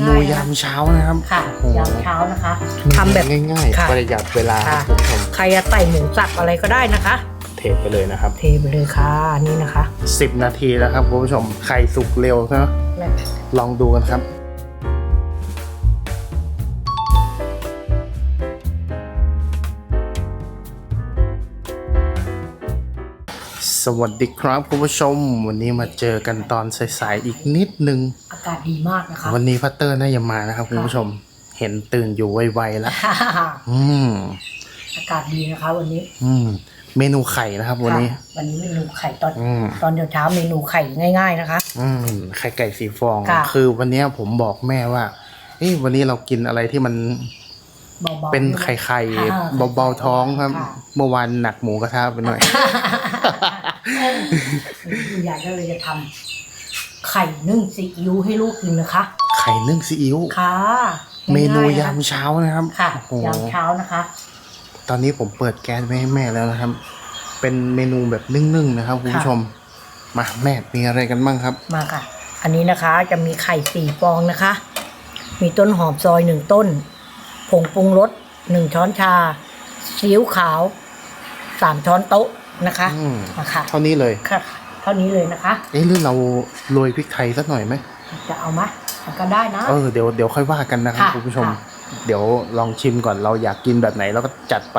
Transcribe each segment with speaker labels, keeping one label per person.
Speaker 1: นูยามเช้านะครับ
Speaker 2: ค่ะยามเช้านะคะทำแบบ
Speaker 1: ง่ายๆประหยัดเวลาครับคุณผู้ชม
Speaker 2: ใครจะใส่หมูสับอะไรก็ได้นะคะ
Speaker 1: เทไปเลยนะครับ
Speaker 2: เทไปเลยค่ะนี่นะคะ
Speaker 1: 10 นาทีแล้วครับคุณผู้ชมไข่สุกเร็วนะลองดูกันครับสวัสดีครับคุณผู้ชมวันนี้มาเจอกันตอนสายๆอีกนิดนึง
Speaker 2: อากาศดีมากนะคะ
Speaker 1: วันนี้พัตเตอร์น่าจะมานะครับคุณผู้ชมเห็นตื่นอยู่ไวๆแล้ว
Speaker 2: อากาศดีนะคะวันนี้
Speaker 1: เมนูไข่นะครับวันนี้
Speaker 2: เมนูไข่ตอนเช้าเมนูไข่ง่ายๆนะคะ
Speaker 1: ไข่ไก่สีฟองคือวันนี้ผมบอกแม่ว่าวันนี้เรากินอะไรที่มันเป็นไข่เบาๆท้องครับเมื่อวานหนักหมูกระทะไปหน่อย
Speaker 2: คุณยายก็เลยจะทำไข่นึ่งซีอิ๊วให้ลูกกินนะคะ
Speaker 1: ไข่นึ่งซีอิ๊ว
Speaker 2: ค่ะ
Speaker 1: เมนูยามเช้านะครับ
Speaker 2: ค่ะยามเช้านะคะ
Speaker 1: ตอนนี้ผมเปิดแก๊สไว้ให้แม่แล้วนะครับเป็นเมนูแบบนึ่งๆนะครับคุณผู้ชมมาแม่มีอะไรกันบ้างครับ
Speaker 2: มาค่ะอันนี้นะคะจะมีไข่4 ฟองนะคะมีต้นหอมซอย1 ต้นผงปรุงรส1 ช้อนชาซีอิ๊วขาว3 ช้อนโต๊ะนะคะ
Speaker 1: ค่ะเท่านี้เลย
Speaker 2: ค่ะเท่านี้เลยนะคะ
Speaker 1: หรือเราโรยพริกไทยสักหน่อยไหม
Speaker 2: จะเอาไหมก็ได้นะ
Speaker 1: เดี๋ยวค่อยว่ากันนะครับคุณผู้ชมเดี๋ยวลองชิมก่อนเราอยากกินแบบไหนเราก็จัดไป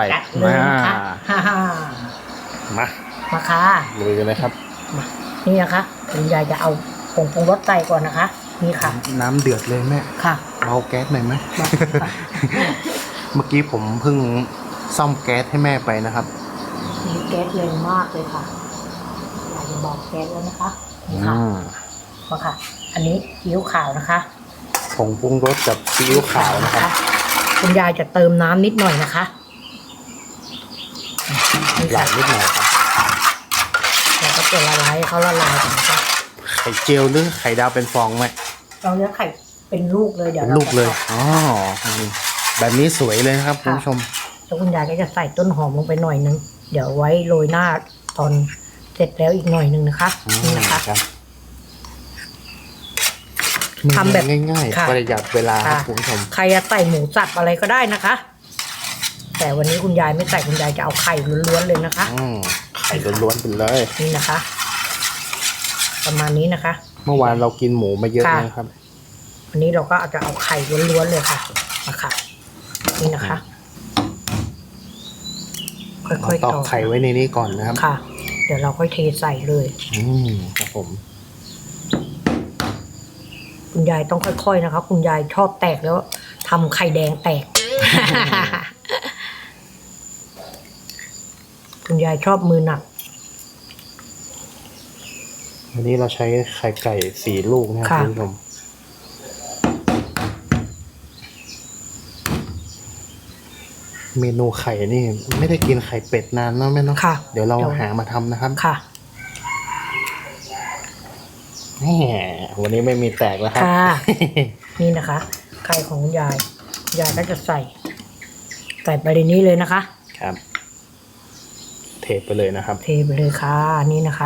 Speaker 2: มาค่ะ
Speaker 1: ลุยกันเลยครับ
Speaker 2: นี่นะคะคุณยายจะเอาผงปรุงรสใส่ก่อนนะคะนี่ค่ะ
Speaker 1: น้ำเดือดเลยแม่
Speaker 2: ค่ะ
Speaker 1: เบาแก๊สหน่อยไหมเมื่อกี้ผมเพิ่งซ่อมแก๊สให้แม่ไปนะครับ
Speaker 2: มีแก๊สแรงมากเลยค่ะยายจะบอกแก๊สแล้วนะคะนี่ค่ะมาค่ะอันนี้ซีอิ๊วขาวนะคะ
Speaker 1: ผงปรุงรสกับซีอิ๊วขาวนะครับ
Speaker 2: คุณยายจะเติมน้ำนิดหน่อยนะคะ
Speaker 1: หลายนิดหน่อยครับ
Speaker 2: แล้วก็จะละลายเขาละลายกันนะคะ
Speaker 1: ไข่เจียวหรือไข่ดาวเป็นฟองไหม
Speaker 2: เราเนื้อไข่เป็นลูกเลยเดี๋ยว
Speaker 1: ลูกเลยแบบนี้สวยเลยครับคุณผู้ชม
Speaker 2: แล้วคุณยายก็จะใส่ต้นหอมลงไปหน่อยนึงเดี๋ยวไว้โรยหน้าตอนเสร็จแล้วอีกหน่อยนึงนะคะนี่นะคะ
Speaker 1: ทำแบบง่ายๆประหยัดเวลาครับคุณผู้ชม
Speaker 2: ใครจะใส่หมูสับอะไรก็ได้นะคะแต่วันนี้คุณยายไม่ใส่คุณยายจะเอาไข่ล้วนๆเลยนะคะ
Speaker 1: ไข่ล้วนๆไปเลย
Speaker 2: นี่นะคะประมาณนี้นะคะ
Speaker 1: เมื่อวานเรากินหมูมาเยอะนะครับ
Speaker 2: วันนี้เราก็จะเอาไข่ล้วนๆเลยค่ะมาค่ะนี่นะคะค่อยๆ
Speaker 1: ตอกไข่ไว้ในนี้ก่อนนะครับ
Speaker 2: ค่ะเดี๋ยวเราค่อยเทใส่เลย
Speaker 1: ครับผม
Speaker 2: คุณยายต้องค่อยๆนะคะคุณยายชอบแตกแล้วทำไข่แดงแตก คุณยายชอบมือหนัก
Speaker 1: วันนี้เราใช้ไข่ไก่4 ลูกนะครับคุณผู้ชมเมนูไข่นี่ไม่ได้กินไข่เป็ดนานเนาะแม่เนาะเดี๋ยวเราหามาทำนะครับ
Speaker 2: ค่ะ
Speaker 1: วันนี้ไม่มีแตกแล้วครับ
Speaker 2: นี่นะคะไข่ของยายก็จะใส่ไปในนี้เลยนะคะ
Speaker 1: ครับเทไปเลยนะครับ
Speaker 2: เทไปเลยค่ะนี่นะคะ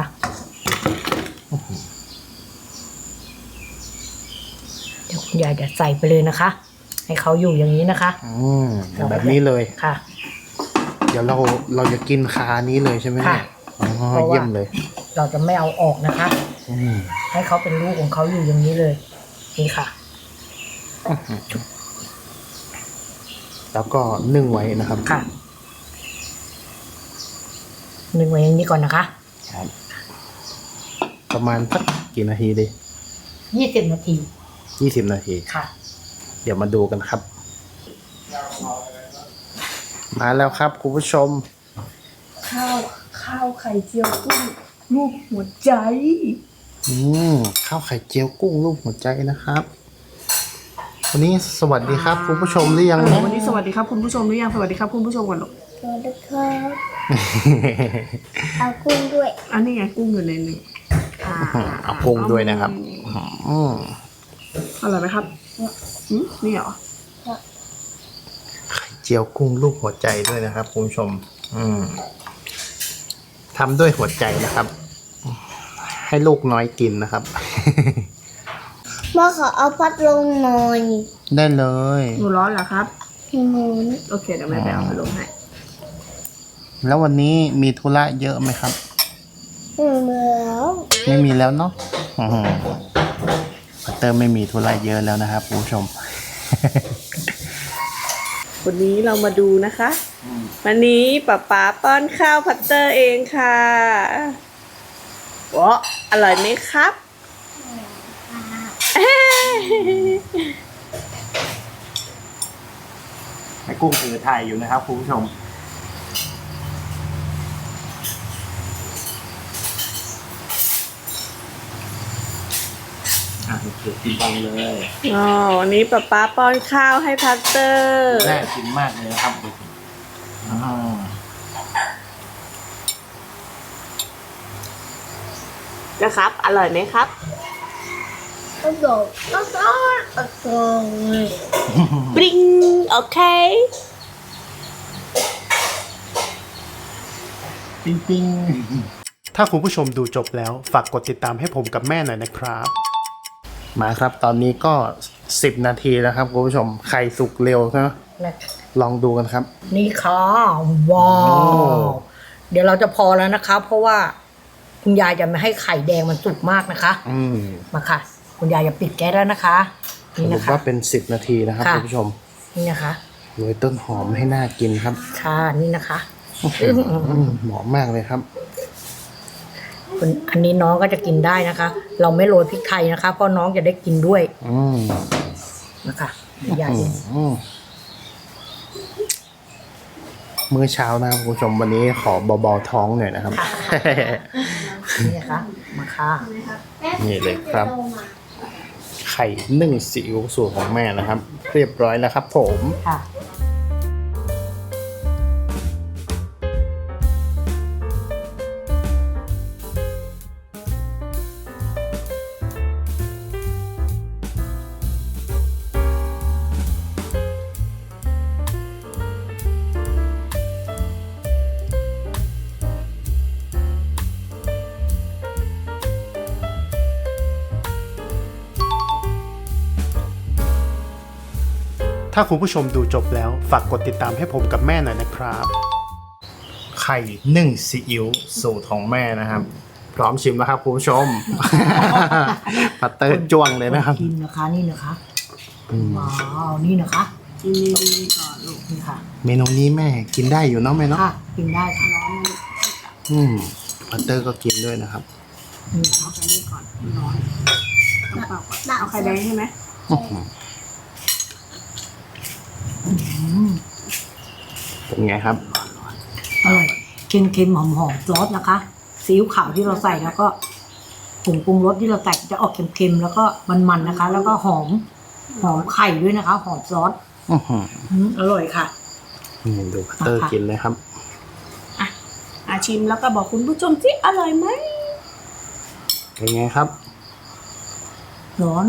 Speaker 2: เดี๋ยวคุณยายจะใส่ไปเลยนะคะให้เขาอยู่อย่างนี้นะคะ
Speaker 1: แบบนี้เลย
Speaker 2: ค่ะ
Speaker 1: เดี๋ยวเราจะกินคานี้เลยใช่ไหม
Speaker 2: ค่ะ
Speaker 1: เยี่ยมเลย
Speaker 2: เราจะไม่เอาออกนะคะให้เขาเป็นลูกของเขาอยู่อย่างนี้เลยนี่ค่ะ
Speaker 1: แล้วก็นึ่งไว้นะครับ
Speaker 2: ค่ะนึ่งไว้อย่างนี้ก่อนนะคะ
Speaker 1: ครับประมาณสักกี่นาทีดี
Speaker 2: 20 นาที
Speaker 1: 20 นาที
Speaker 2: ค่ะ
Speaker 1: เดี๋ยวมาดูกันครับมาแล้วครับคุณผู้ชม
Speaker 2: ข้าวไข่เจียวกุ้งลูกหัวใจ
Speaker 1: ข้าวไข่เจียวกุ้งลูกหัวใจนะครับวันนี้สวัสดีครับคุณผู้ชมหรือยัง
Speaker 2: วันนี้สวัสดีครับคุณผู้ชมหรือยังสวัสดีครับคุณผู้ชมก่อนลูก
Speaker 3: สวัสดีครับเอากุ้งด้วย
Speaker 2: อันนี้ไงกุ้งอยู่ในนี้
Speaker 1: เอากุ้งด้วยนะครับ
Speaker 2: อร่อยไหมครับนี่เหรอ
Speaker 1: ไข่เจียวกุ้งลูกหัวใจด้วยนะครับคุณผู้ชมทำด้วยหัวใจนะครับให้ลูกน้อยกินนะครับ
Speaker 3: พ่อขอเอาพัดลมหน่อย
Speaker 1: ได้เลย
Speaker 4: หนูร้อนเหรอครับ
Speaker 3: หนู
Speaker 4: โอเคเดี๋ยวแม่ไปเอาพัดลมให้
Speaker 1: แล้ววันนี้มีธุระเยอะไหมครับ
Speaker 3: แล้ว
Speaker 1: ไม่มีแล้วเนาะพัตเตอร์ไม่มีธุระเยอะแล้วนะครับคุณผู้ชม
Speaker 4: วันนี้เรามาดูนะคะ วันนี้ป๊าป้อนข้าวพัตเตอร์เองค่ะว้าอร่อยไหมครับ
Speaker 1: แม่กุ้งถือถ่ายอยู่นะครับคุณผู้ชมโอเคกินบังเลย
Speaker 4: อ๋อวันนี้ป๊าป้อนข้าวให้พัตเตอร์
Speaker 1: น่ากินมากเลยนะครับดูสิ
Speaker 4: นะครับ อร่อยไหมครับ
Speaker 3: ก็โดดก็ซ้อนก็ซ้อน
Speaker 4: ปริงโอเค
Speaker 1: ปิ้งถ้าคุณผู้ชมดูจบแล้วฝากกดติดตามให้ผมกับแม่หน่อยนะครับ มาครับตอนนี้ก็10 นาทีแล้วครับคุณผู้ชมไข่สุกเร็วใช่ไหมลองดูกันครับ
Speaker 2: นี่ค่ะว้าวเดี๋ยวเราจะพอแล้วนะคะ เพราะว่าคุณยายจะไม่ให้ไข่แดงมันสุกมากนะคะ มาค่ะ คุณยายจะปิดแก๊สแล้วนะคะ
Speaker 1: ส
Speaker 2: นี่
Speaker 1: รุ
Speaker 2: นะ
Speaker 1: ป
Speaker 2: คะ
Speaker 1: ว่าเป็น10 นาทีนะครับ
Speaker 2: ค่ะ
Speaker 1: คุณผู้ชม
Speaker 2: นี่นะคะ
Speaker 1: โรยต้นหอมให้น่ากินครับ
Speaker 2: ค่ะนี่นะคะ
Speaker 1: หอมมากเลยครับ
Speaker 2: อันนี้น้องก็จะกินได้นะคะ เราไม่โรยพริกไทยนะคะ เพราะน้องจะได้กินด้วย นะคะเดี๋ยวยาย
Speaker 1: มื้อเช้านะครับคุณผู้ชมวันนี้ขอเบาๆท้องหน่อยนะครับ
Speaker 2: นี่นะคะมาค่ะ
Speaker 1: นี่เลยครับ ไข่นึ่งซีอิ๊วสูตรของแม่นะครับ เรียบร้อยแล้วครับผม
Speaker 2: ค่ะ
Speaker 1: ถ้าคุณผู้ชมดูจบแล้วฝากกดติดตามให้ผมกับแม่หน่อยนะครับ ไข่นึ่งซีอิ๊วสูตรของแม่นะครับ พร้อมชิมแล้วครับคุณผู้ชม พัตเตอร์จ้วงเลยนะครับ
Speaker 2: กินนะคะนี่นะคะว้าวนี่นะคะ
Speaker 4: กินดีๆก่อนลูก
Speaker 2: นี่ค่ะ
Speaker 1: เมนูนี้แม่กินได้อยู่เนาะแม่เนาะ
Speaker 2: ค่ะกินได้ค่ะ
Speaker 1: พัตเตอร์ก็กินด้วยนะครับ
Speaker 2: นี่นะคะ
Speaker 4: เอาไข่นี่ก่อนร้อนต้องเปล่าก่อนเอาไข่แดงใช่ไหม
Speaker 1: เป็นไงครับ
Speaker 2: อร่อยเค็มๆหอมๆซอสนะคะซีอิ๊วขาวที่เราใส่แล้วก็ผงปรุงรสที่เราใส่จะออกเค็มๆแล้วก็มันๆนะคะ แล้วก็หอมไข่ด้วยนะคะ หอมซอสอร่อยค่ะ
Speaker 1: นี่ดูพัตเตอร์กินเลยครับ
Speaker 4: ชิมแล้วก็บอกคุณผู้ชมสิอร่อยไหม
Speaker 1: เป็นไงครับ
Speaker 2: ร้อน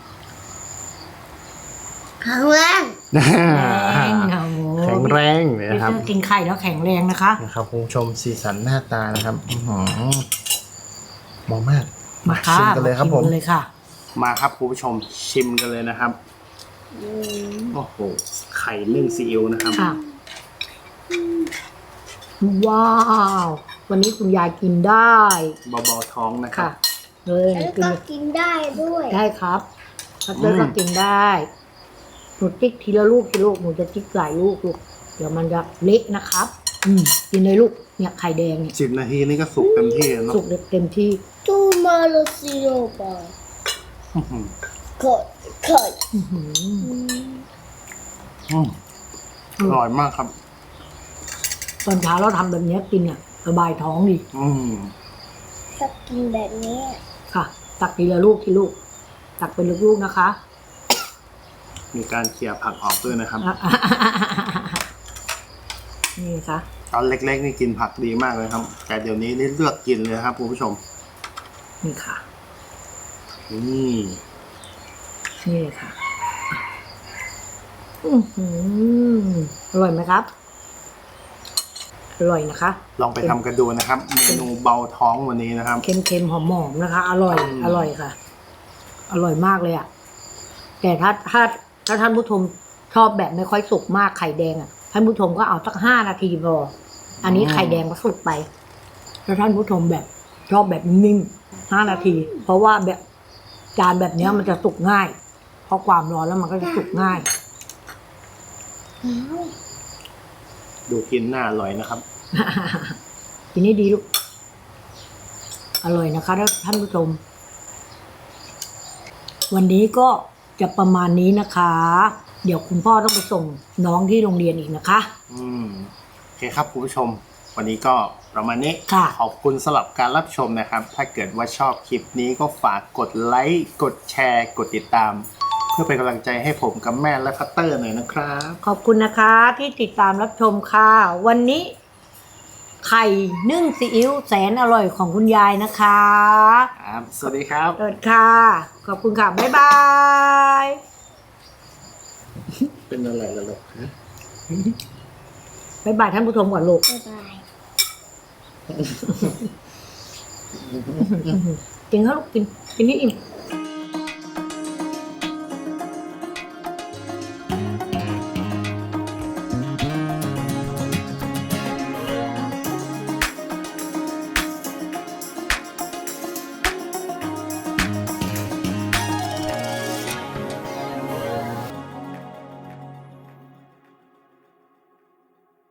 Speaker 3: ครั้งแรก
Speaker 2: แรงค่ะโอ้โห
Speaker 1: แข็งแรงเลยนะครับ
Speaker 2: กินไข่แล้วแข็งแรงนะคะ
Speaker 1: นะครับคุณผู้ชมสีสันหน้าตานะครับเหมาะมาก
Speaker 2: มาค่ะ
Speaker 1: ชิมกันเลยครับผม
Speaker 2: ชิเลยค่ะ
Speaker 1: มาครับคุณผู้ชมชิมกันเลยนะครับโอ้โหไข่นึ่งซีอิ๊วนะครับ
Speaker 2: ค่ะ ว้าว วันนี้คุณยายกินได้
Speaker 1: เบาๆท้องนะครั
Speaker 2: ค่ะ
Speaker 1: บ
Speaker 2: เลย
Speaker 3: แล้ว
Speaker 2: กิน
Speaker 3: ก็กินได้ด้วย
Speaker 2: ได้ครับพัตเตอร์ก็กินได้หนูจิ๊กทีละลูกหนูจะจิ๊กหลายลูกลูกเดี๋ยวมันจะเละนะครับ กินเลยลูกเนี่ยไข่แดงเนี่ย
Speaker 1: 10 นาทีนี่ก็สุกเต็มที่แล้วเนาะ
Speaker 2: สุกเต็มที่
Speaker 3: ตูมาโลซิโรบา
Speaker 1: อื้อหือ
Speaker 3: กดกด
Speaker 2: อื้อหือ
Speaker 1: อร่อยมากครับ
Speaker 2: ตอนเช้าเราทำแบบนี้กินเนี่ยสบายท้องดี
Speaker 3: ถ้ากินแบบนี้
Speaker 2: ค่ะ ตักทีละลูกตักเป็นลูกๆนะคะ
Speaker 1: มีการเขี่ยผักออกด้วยนะครับ
Speaker 2: นี่ค่ะ
Speaker 1: ตอนเล็กๆนี่กินผักดีมากเลยครับ แต่เดี๋ยวนี้นี่เลือกกินเลยครับคุณผู้ชม
Speaker 2: นี่ค่ะ
Speaker 1: นี่
Speaker 2: นี่เลยค่ะอร่อยไหมครับ อร่อยนะคะ
Speaker 1: ลองไปทำกันดูนะครับ เมนูเบาท้องวันนี้นะครับ
Speaker 2: เค็มๆหอมๆนะคะ อร่อยค่ะอร่อยมากเลยอะแต่ถ้าท่านผู้ชมชอบแบบไม่ค่อยสุกมากไข่แดงอะท่านผู้ชมก็เอาสัก5 นาทีพออันนี้ไข่แดงก็สุกไปถ้าท่านผู้ชมแบบชอบแบบนิ่ม5 นาที เพราะว่าแบบจานแบบเนี้ยมันจะสุกง่ายเพราะความร้อนแล้วมันก็จะสุกง่าย
Speaker 1: ดูกินน่าอร่อยนะครับ
Speaker 2: ทีนี้ดีลูกอร่อยนะคะท่านผู้ชมวันนี้ก็จะประมาณนี้นะคะ เดี๋ยวคุณพ่อต้องไปส่งน้องที่โรงเรียนอีกนะคะ
Speaker 1: โอเคครับคุณผู้ชม วันนี้ก็ประมาณนี้
Speaker 2: ค่ะ
Speaker 1: ขอบคุณสำหรับการรับชมนะครับ ถ้าเกิดว่าชอบคลิปนี้ก็ฝากกดไลค์กดแชร์กดติดตาม เพื่อเป็นกำลังใจให้ผมกับแม่และพัตเตอร์หน่อยนะครับ
Speaker 2: ขอบคุณนะคะที่ติดตามรับชมค่ะ วันนี้ ไข่นึ่งซีอิ๊วแสนอร่อยของคุณยายนะคะ
Speaker 1: ครับ สวัสดีครับ
Speaker 2: เปิดค่ะ ขอบคุณค่ะ บ๊ายบาย
Speaker 1: เป็นอะไรล่ะลูก
Speaker 2: บ๊ายบายท่านผู้ชมก่อนลูก
Speaker 3: บ๊ายบาย
Speaker 2: กินข้าวลูกกินนี่อิ่ม